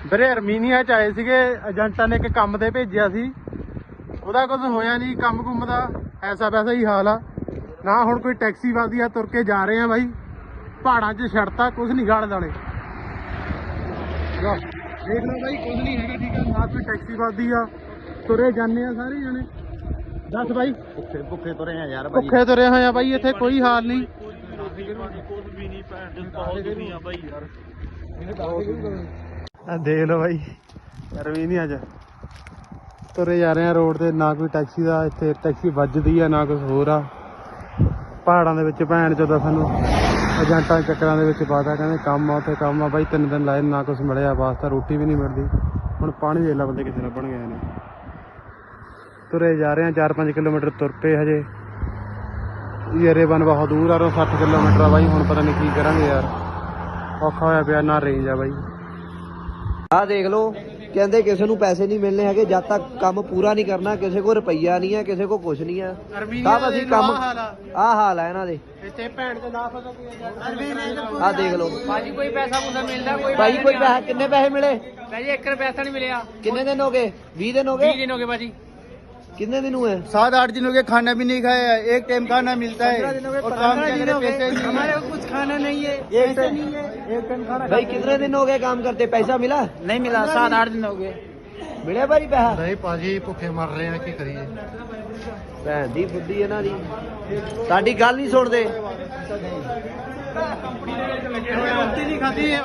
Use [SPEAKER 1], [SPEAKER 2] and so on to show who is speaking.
[SPEAKER 1] ਵੀਰੇ ਅਰਮੀਨੀਆ ਚ ਆਏ ਸੀਗੇ, ਏਜੰਟਾਂ ਨੇ ਇੱਕ ਕੰਮ ਤੇ ਭੇਜਿਆ ਸੀ, ਉਹਦਾ ਕੁਝ ਹੋਇਆ ਨਹੀਂ, ਕੰਮ ਕੁੰਮ ਦਾ ਐਸਾ ਵੈਸਾ ਹੀ ਹਾਲ ਆ ਨਾ। ਹੁਣ ਕੋਈ ਟੈਕਸੀ ਵੱਧਦੀ ਆ, ਤੁਰ ਕੇ ਜਾ ਰਹੇ ਆ ਬਾਈ, ਪਹਾੜਾਂ 'ਚ ਛੜਤਾ, ਕੁਝ ਨਹੀਂ ਗਾਲ ਦਾਲੇ। ਦੇਖ ਲਓ ਬਾਈ, ਕੁਝ ਨਹੀਂ ਹੈਗਾ, ਠੀਕ ਆ ਨਾ, ਕੋਈ ਟੈਕਸੀ ਵੱਧਦੀ ਆ, ਤੁਰੇ ਜਾਂਦੇ ਆ ਸਾਰੇ ਜਣੇ। ਦੱਸ ਬਾਈ,
[SPEAKER 2] ਭੁੱਖੇ ਤੁਰੇ ਆ ਯਾਰ,
[SPEAKER 1] ਭੁੱਖੇ ਤੁਰੇ ਹੋਏ ਆ ਬਾਈ, ਇੱਥੇ ਕੋਈ ਹਾਲ ਨਹੀਂ। ਦੇਖ ਲਓ ਬਾਈ, ਅਰਮੀਨੀਆ ਚ ਤੁਰੇ ਜਾ ਰਹੇ ਆ ਰੋਡ ਤੇ, ਨਾ ਕੋਈ ਟੈਕਸੀ ਦਾ ਇੱਥੇ ਟੈਕਸੀ ਵੱਜਦੀ ਆ ਨਾ ਕੁਝ ਹੋਰ ਆ। ਪਹਾੜਾਂ ਦੇ ਵਿੱਚ ਭੈਣ ਚੋਦਾ ਸਾਨੂੰ ਏਜੰਟਾਂ ਦੇ ਚੱਕਰਾਂ ਦੇ ਵਿੱਚ ਪਾਤਾ, ਕਹਿੰਦੇ ਕੰਮ ਆ ਉੱਥੇ ਕੰਮ ਆ ਬਾਈ। 3 ਦਿਨ ਲਾਏ, ਨਾ ਕੁਝ ਮਿਲਿਆ ਵਾਸਤਾ, ਰੋਟੀ ਵੀ ਨਹੀਂ ਮਿਲਦੀ। ਹੁਣ ਪਾਣੀ ਦੇ ਲਾ ਬੰਦੇ ਕਿੱਥੇ ਲੱਭਣ ਗਏ ਨੇ। ਤੁਰੇ ਜਾ ਰਹੇ ਆ, 4-5 ਕਿਲੋਮੀਟਰ ਤੁਰ ਪਏ ਹਜੇ। ਯਰੇਬਨ ਬਹੁਤ ਦੂਰ ਆ, 60 ਕਿਲੋਮੀਟਰ ਆ ਬਾਈ। ਹੁਣ ਪਤਾ ਨਹੀਂ ਕੀ ਕਰਾਂਗੇ ਯਾਰ, ਔਖਾ ਹੋਇਆ ਪਿਆ, ਨਾ ਰੇਂਜ ਆ ਬਾਈ।
[SPEAKER 2] ਆਹ ਦੇਖ ਲਓ, ਕਹਿੰਦੇ ਕਿਸੇ ਨੂੰ ਪੈਸੇ ਨਹੀਂ ਮਿਲਣੇ ਹੈਗੇ ਜਦ ਤੱਕ ਕੰਮ ਪੂਰਾ ਨਹੀਂ ਕਰਨਾ। ਕਿਸੇ ਕੋਲ ਰੁਪਈਆ ਨਹੀਂ ਹੈ, ਕਿਸੇ ਕੋਲ ਕੁਝ ਨਹੀਂ ਹੈ। ਸਭ ਅਸੀਂ ਕੰਮ, ਆਹ ਹਾਲ ਹੈ ਇਹਨਾਂ ਦੇ
[SPEAKER 1] ਇੱਥੇ ਭੈਣ ਤੇ ਨਾ ਫਸਾ ਕੋਈ।
[SPEAKER 2] ਆਹ ਦੇਖ ਲਓ
[SPEAKER 3] ਭਾਜੀ, ਕੋਈ ਪੈਸਾ ਪੂਸਾ ਮਿਲਦਾ? ਕੋਈ
[SPEAKER 2] ਭਾਈ, ਕੋਈ ਪੈਸਾ, ਕਿੰਨੇ ਪੈਸੇ ਮਿਲੇ?
[SPEAKER 3] ਭਾਜੀ 1 ਰੁਪਿਆ ਪੈਸਾ ਨਹੀਂ ਮਿਲਿਆ।
[SPEAKER 2] ਕਿੰਨੇ ਦਿਨ ਹੋ ਗਏ? 20 ਦਿਨ ਹੋ
[SPEAKER 3] 20
[SPEAKER 2] गए?
[SPEAKER 3] दिन हो गए भाजी।
[SPEAKER 2] कितने दिन हुए?
[SPEAKER 4] 7-8 दिन हो गए, खाना भी नहीं खाया है। एक टाइम खाना मिलता है और काम करने के पैसे नहीं
[SPEAKER 3] हमारे
[SPEAKER 4] है।
[SPEAKER 3] को कुछ खाना नहीं है,
[SPEAKER 2] एक
[SPEAKER 3] पैसे
[SPEAKER 2] टाइम
[SPEAKER 3] नहीं है।
[SPEAKER 4] एक टाइम खाना
[SPEAKER 2] भाई कितने दिन हो गए काम करते? पैसा मिला?
[SPEAKER 3] नहीं मिला, 7-8 दिन हो गए।
[SPEAKER 2] मिले भाई पैसा?
[SPEAKER 1] ਨਹੀਂ ਭਾਜੀ, ਭੁੱਖੇ ਮਰ ਰਹੇ ਆ, ਕੀ ਕਰੀਏ।
[SPEAKER 2] ਭੈਣ ਦੀ ਬੁੱਧੀ ਇਹਨਾਂ ਦੀ, ਸਾਡੀ ਗੱਲ ਨਹੀਂ ਸੁਣਦੇ।
[SPEAKER 1] ਰੋਟੀ ਨਹੀਂ ਖਾਧੀ।